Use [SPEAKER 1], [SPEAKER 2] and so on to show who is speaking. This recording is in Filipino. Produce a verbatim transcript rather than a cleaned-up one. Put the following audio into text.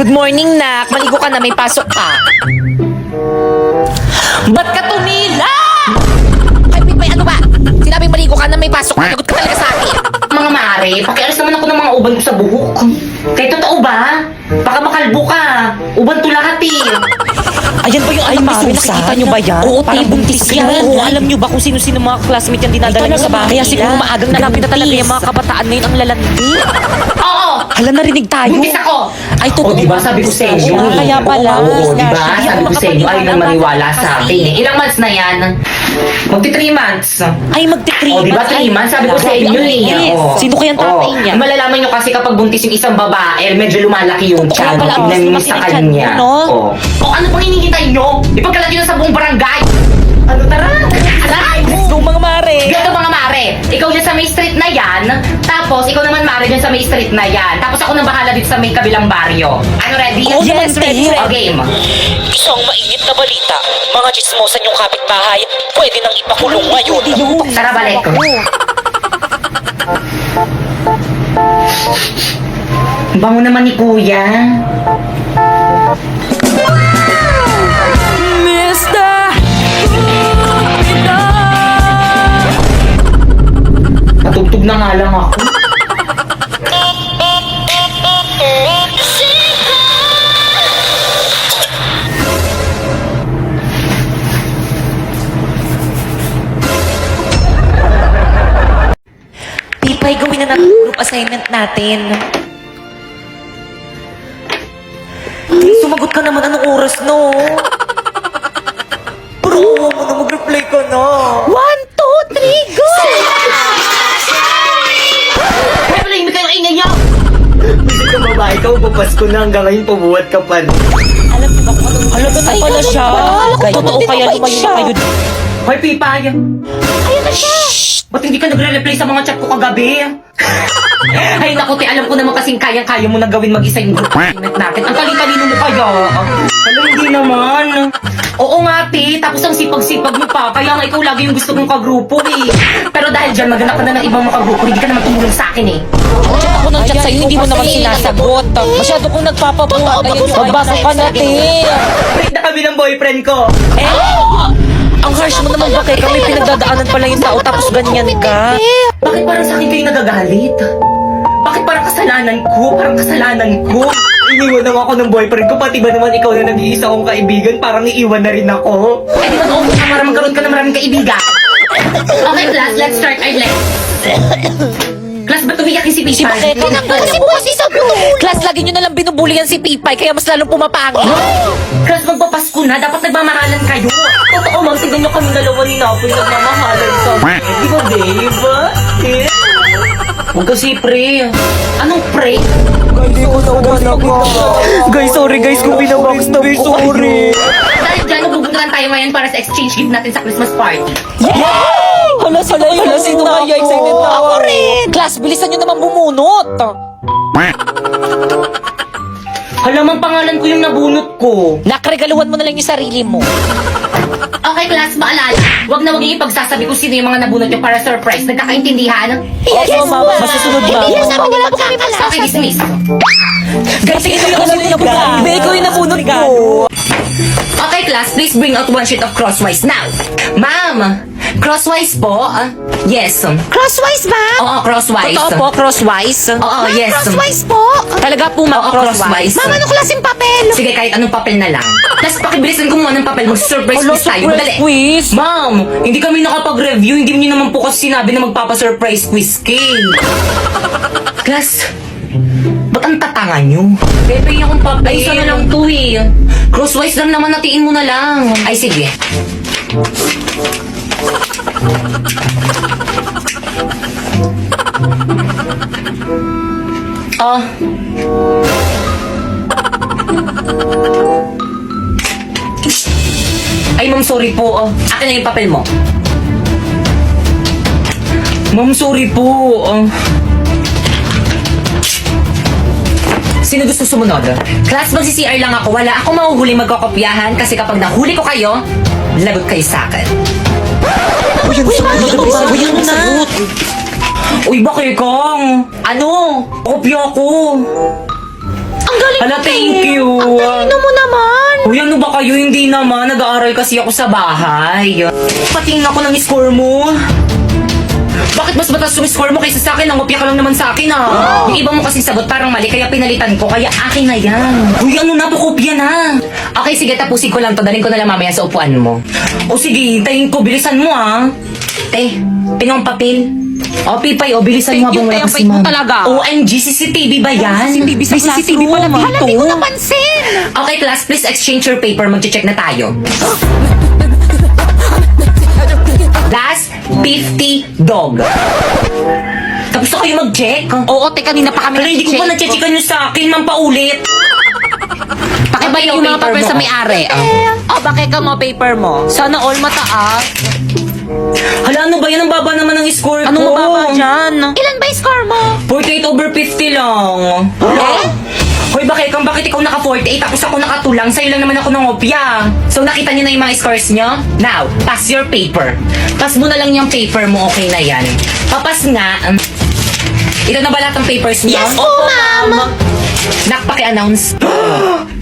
[SPEAKER 1] Good morning, nak. Maligo ka na, may pasok ka. Ba't ka tumila? Ay, Pipay, ano ba? Sinabing maligo ka na, may pasok ka. Lagot ka talaga sa akin.
[SPEAKER 2] Mga mare, pakialis naman ako ng mga uban ko sa buhok. Kaya totoo ba? Baka makalbo ka. Uban to lahat eh.
[SPEAKER 1] Ayan ba yung
[SPEAKER 3] Ay,
[SPEAKER 1] anak ni
[SPEAKER 3] Mari,
[SPEAKER 1] Susan?
[SPEAKER 3] nakikita nyo ba yan?
[SPEAKER 1] Oo,
[SPEAKER 3] Parang
[SPEAKER 1] te, buntis
[SPEAKER 3] buntis
[SPEAKER 1] yan.
[SPEAKER 3] yan.
[SPEAKER 1] Oo, alam nyo ba kung sino-sino mga classmate yan dinadala
[SPEAKER 3] Ay,
[SPEAKER 1] nyo sa
[SPEAKER 3] talaga
[SPEAKER 1] bahay?
[SPEAKER 3] ba?
[SPEAKER 1] Kaya siguro
[SPEAKER 3] Nila?
[SPEAKER 1] maagang grabe na talaga yung mga kabataan ngayon ang lalandi.
[SPEAKER 2] Oo!
[SPEAKER 1] Hala, narinig tayo.
[SPEAKER 2] Buntis ako!
[SPEAKER 1] Ay, totoo.
[SPEAKER 2] O, diba sabi ko sa inyo?
[SPEAKER 1] Oo, kaya pala.
[SPEAKER 2] Oo, diba?
[SPEAKER 1] Hindi
[SPEAKER 2] Sabi
[SPEAKER 1] ako
[SPEAKER 2] ko sa inyo, ay nang maniwala
[SPEAKER 1] kasi.
[SPEAKER 2] sa akin eh. Ilang months na yan? Magti three months.
[SPEAKER 1] Ay, magti-three
[SPEAKER 2] O, diba
[SPEAKER 1] months.
[SPEAKER 2] three
[SPEAKER 1] Ay,
[SPEAKER 2] months? Sabi ko sa
[SPEAKER 1] grabe,
[SPEAKER 2] inyo
[SPEAKER 1] ang
[SPEAKER 2] eh.
[SPEAKER 1] linis.
[SPEAKER 2] Oo.
[SPEAKER 1] Sino kayang tatay
[SPEAKER 2] Oo.
[SPEAKER 1] niya?
[SPEAKER 2] Malalaman nyo kasi kapag buntis yung isang babae, medyo lumalaki yung
[SPEAKER 1] Kaya
[SPEAKER 2] tiyan.
[SPEAKER 1] pala,
[SPEAKER 2] Tignan
[SPEAKER 1] mas
[SPEAKER 2] nyo
[SPEAKER 1] lumaki
[SPEAKER 2] sa
[SPEAKER 1] yung tiyan
[SPEAKER 2] kanya.
[SPEAKER 1] mo, no?
[SPEAKER 2] Oo. O, ano pang hinihintay nyo? Ipagkalat nyo na sa buong barangay. Ano, tara? Aray!
[SPEAKER 1] Let's go, mga mare.
[SPEAKER 2] Ganito mga mare, ikaw dyan sa may street na yan, tapos ikaw naman mare dyan sa may street na yan, tapos ako nang bahala dito sa may kabilang baryo. Ano, ready?
[SPEAKER 1] Oo, yes, ready,
[SPEAKER 2] O,
[SPEAKER 1] ready.
[SPEAKER 2] game.
[SPEAKER 3] Isang mainit na balita. Mga chismosan yung kapitbahay. Pwede nang ipakulong ngayon.
[SPEAKER 2] Tara, balik. Bango naman ni kuya.
[SPEAKER 1] Mister
[SPEAKER 2] Patugtog na nga lang ako.
[SPEAKER 1] Pipay, gawin na natin group assignment natin. Ay, sumagot ka naman. Anong oras, no? Bro, mo na mag-reply ka na. One, two, three, go!
[SPEAKER 2] Kaya pala yung kayo ingay niyo! Bisa ka babae ka, papasko na hanggang ngayon pabuhat ka pa.
[SPEAKER 1] Alam mo ba kung anong
[SPEAKER 3] Halaga na
[SPEAKER 1] Ay,
[SPEAKER 3] pala
[SPEAKER 1] ganun
[SPEAKER 3] siya.
[SPEAKER 1] ba?
[SPEAKER 3] Kaya
[SPEAKER 1] Totoo
[SPEAKER 3] totoo
[SPEAKER 1] kaya
[SPEAKER 3] kaya
[SPEAKER 1] lumayo
[SPEAKER 3] lumayo
[SPEAKER 1] na
[SPEAKER 3] na
[SPEAKER 1] kayo.
[SPEAKER 2] Hoy, Pipay!
[SPEAKER 1] Ayan na siya.
[SPEAKER 2] Ba't hindi ka nagre-reply sa mga chat ko kagabi? Ay naku, te, alam ko naman kasing kayang-kaya mo na gawin mag-isa yung group assignment natin. Ang talino mo kaya. Alam, hindi naman. Oo nga, te, tapos ang sipag-sipag mo pa. Kaya nga ikaw lagi yung gusto kong kagrupo eh. Pero dahil dyan, maghanap ka na ng ibang makagrupo, hindi ka naman tumulong sa akin eh.
[SPEAKER 3] Chat ako ng chat sa'yo, hindi mo naman sinasagot. Masyado kong nagpapabuhat. Ayun yung magbasa ka na, te.
[SPEAKER 2] Break na kami ng boyfriend ko.
[SPEAKER 3] Eh, ang harsh mo naman ba kay kami pinagdadaanan pala yung tao tapos ganyan ka?
[SPEAKER 2] Bakit parang sa akin kayo nagagalit? Bakit parang kasalanan ko? Parang kasalanan ko? Iniwan naman ako ng boyfriend ko, pati ba naman ikaw na nag-iisa kong kaibigan, parang iiwan na rin ako. Eh di ba noong ka para magkaroon ka ng maraming kaibigan? Okay class, let's start our lesson. Class, ba't umiyakin si
[SPEAKER 3] Si
[SPEAKER 2] Pipay?
[SPEAKER 3] Bakete na
[SPEAKER 1] Kasi po kasi sa Class, lagi nyo nalang binubulian si Pipay, kaya mas lalong pumapangit.
[SPEAKER 2] Class, magpapasko na, dapat nagmamahalan kayo. Totoo, ma'am, tignan nyo kami dalawa ni Napoy nagmamahalan sa Di ba, babe? Eh? Huwag kasi pre. Anong pre?
[SPEAKER 3] Guys, sorry guys kung binabackstab ko kayo.
[SPEAKER 2] Dahil dyan, nagbubuntulan tayo ngayon para sa exchange gift natin sa Christmas party.
[SPEAKER 3] Hala, hala, hala, sino kaya excited na
[SPEAKER 1] Ako rin. Class, bilisan nyo naman bumunot.
[SPEAKER 2] Halamang pangalan ko yung nabunot ko.
[SPEAKER 1] Nakregaluhan mo na lang yung sarili mo.
[SPEAKER 2] Okay, class, maalala. Huwag na huwag yung ipagsasabi kung sino yung mga nabunot nyo para surprise. Nagkakaintindihan?
[SPEAKER 3] Yes, mama. Masusunod, mama.
[SPEAKER 1] Hindi na namin wala po kami
[SPEAKER 2] Okay,
[SPEAKER 1] magsasabi.
[SPEAKER 2] dismiss.
[SPEAKER 1] Guys, sige na kasi yung nabunot. Hindi, ikaw yung nabunot ko.
[SPEAKER 2] Okay, class, please bring out one sheet of crosswise now. Ma'am, crosswise po? Ah, yes.
[SPEAKER 1] Crosswise ba?
[SPEAKER 2] Oo, crosswise.
[SPEAKER 1] Totoo po, crosswise.
[SPEAKER 2] Oo, yes.
[SPEAKER 1] Crosswise po. Talaga po, ma'am,
[SPEAKER 2] Oo,
[SPEAKER 1] crosswise.
[SPEAKER 2] crosswise.
[SPEAKER 1] Ma'am, anong klaseng papel?
[SPEAKER 2] Sige, kahit anong papel na lang. Tapos pakibilisan ko muna ng papel. Mag-surprise
[SPEAKER 3] Hala,
[SPEAKER 2] quiz tayo.
[SPEAKER 3] surprise
[SPEAKER 2] Madali.
[SPEAKER 3] quiz.
[SPEAKER 2] Ma'am, hindi kami nakapag-review. Hindi niyo naman po kasi sinabi na magpapa-surprise quiz kay. Class, ba't ang tatanga nyo? Pepe akong papel. Ay, isa na lang to eh. Crosswise lang naman, natiin mo na lang. Ay, sige. Ah. Ay, ma'am, sorry po. Oh, akin na yung papel mo. Ma'am, sorry po. Oh. Sino gusto sumunod? Class, magsi-C R lang ako. Wala akong mahuhuli magkakopyahan kasi kapag nahuli ko kayo, lagot kayo sa akin.
[SPEAKER 3] Uy, ang sagot. Uy, ang sagot.
[SPEAKER 2] Uy, bakit kang? Ano? Kopya ko.
[SPEAKER 1] Ang galing
[SPEAKER 2] Hala,
[SPEAKER 1] mo,
[SPEAKER 2] thank
[SPEAKER 1] te.
[SPEAKER 2] you.
[SPEAKER 1] Ang talino mo naman.
[SPEAKER 2] Uy, ano ba kayo? Hindi naman. Nag-aaral kasi ako sa bahay. Patingin ako ng score mo. Bakit mas mataas yung score mo kaysa sa akin? Nangopya ka lang naman sa akin, ah. Yung iba mo kasing sagot parang mali, kaya pinalitan ko. Kaya akin na yan. Uy, ano na? Pakopya na. Okay, sige. Tapusin ko lang to. Dalhin ko na lang mamaya sa upuan mo. O sige, tayin ko. Bilisan mo, ah. Te, pinong papel. O, Pipay, o, bilisan mo
[SPEAKER 3] Thank you,
[SPEAKER 2] habang wala
[SPEAKER 3] te. Ang
[SPEAKER 2] pa si
[SPEAKER 3] bait mo
[SPEAKER 2] ma'am.
[SPEAKER 3] talaga.
[SPEAKER 2] O M G, C C T V ba yan?
[SPEAKER 3] C C T V sa
[SPEAKER 2] May C C T V
[SPEAKER 3] classroom.
[SPEAKER 2] pala dito.
[SPEAKER 1] Hala, di ko napansin.
[SPEAKER 2] Okay, class, please exchange your paper. Mag-check na tayo. Last, fifty dog. Tapos na kayo mag-check?
[SPEAKER 3] Oo, te, kanina pa kami
[SPEAKER 2] Pero hindi ko pa
[SPEAKER 3] nag-check.
[SPEAKER 2] na-checkan nyo sa akin, ma'am, paulit.
[SPEAKER 3] Pakibay yung mga
[SPEAKER 2] paper
[SPEAKER 3] paper
[SPEAKER 2] mo.
[SPEAKER 3] sa may-ari. Oh, bakit ka mo paper mo? Sana all mataas.
[SPEAKER 2] Hala, ano ba yan? Ang baba naman ng score ko.
[SPEAKER 3] Anong mababa dyan?
[SPEAKER 1] Ilan ba yung score mo?
[SPEAKER 2] forty-eight over fifty lang.
[SPEAKER 3] Eh?
[SPEAKER 2] Hoy, bakit kang bakit ikaw naka forty-eight tapos ako nakatulang? Sa'yo lang naman ako ng opya. So, nakita niyo na yung mga scores niyo? Now, pass your paper. Pass mo na lang yung paper mo, okay na yan. Papas nga. um, Ito na ba lahat ng papers niyo?
[SPEAKER 1] Yes po, ma'am.
[SPEAKER 2] Nak, paki-announce.